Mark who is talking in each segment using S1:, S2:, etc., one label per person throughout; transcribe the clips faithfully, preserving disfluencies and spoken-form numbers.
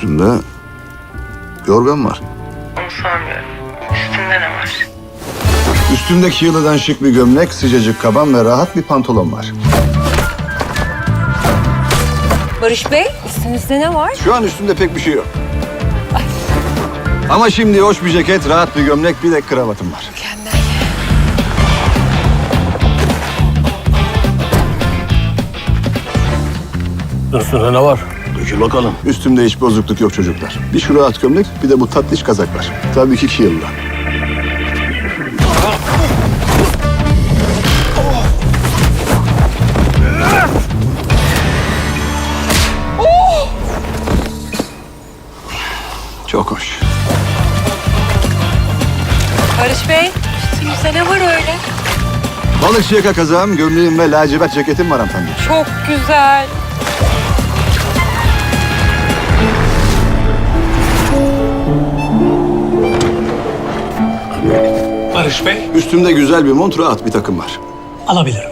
S1: Üstünde yorgan var.
S2: Onu sormuyorum. Üstünde ne var?
S1: Üstündeki yılıdan şık bir gömlek, sıcacık kaban ve rahat bir pantolon var.
S3: Barış Bey, üstünüzde ne var?
S1: Şu an üstünde pek bir şey yok. Ama şimdi hoş bir ceket, rahat bir gömlek, bir de kravatım var.
S3: Mükemmel.
S4: Üstünde ne var?
S1: Dökül bakalım. Üstümde hiç bozukluk yok çocuklar. Bir şu rahat gömlek, bir de bu tatlış kazak var. Tabii ki iki yılda. Çok hoş.
S3: Barış Bey, üstünüzde ne var öyle?
S1: Balıkçı yaka kazağım, gömleğim ve lacivert ceketim var hanımefendi.
S3: Çok güzel.
S4: Barış Bey,
S1: Üstümde güzel bir mont, rahat bir takım var.
S4: alabilirim.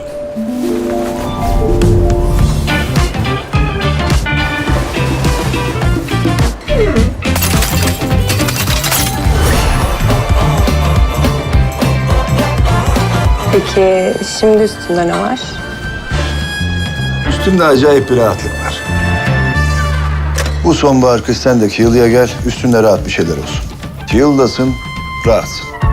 S3: Peki şimdi üstünde ne var?
S1: Üstümde acayip bir rahatlık var. Bu sonbahar kış sen de Kiel'ya gel, üstünde rahat bir şeyler olsun. Kiel'dasın, rahatsın.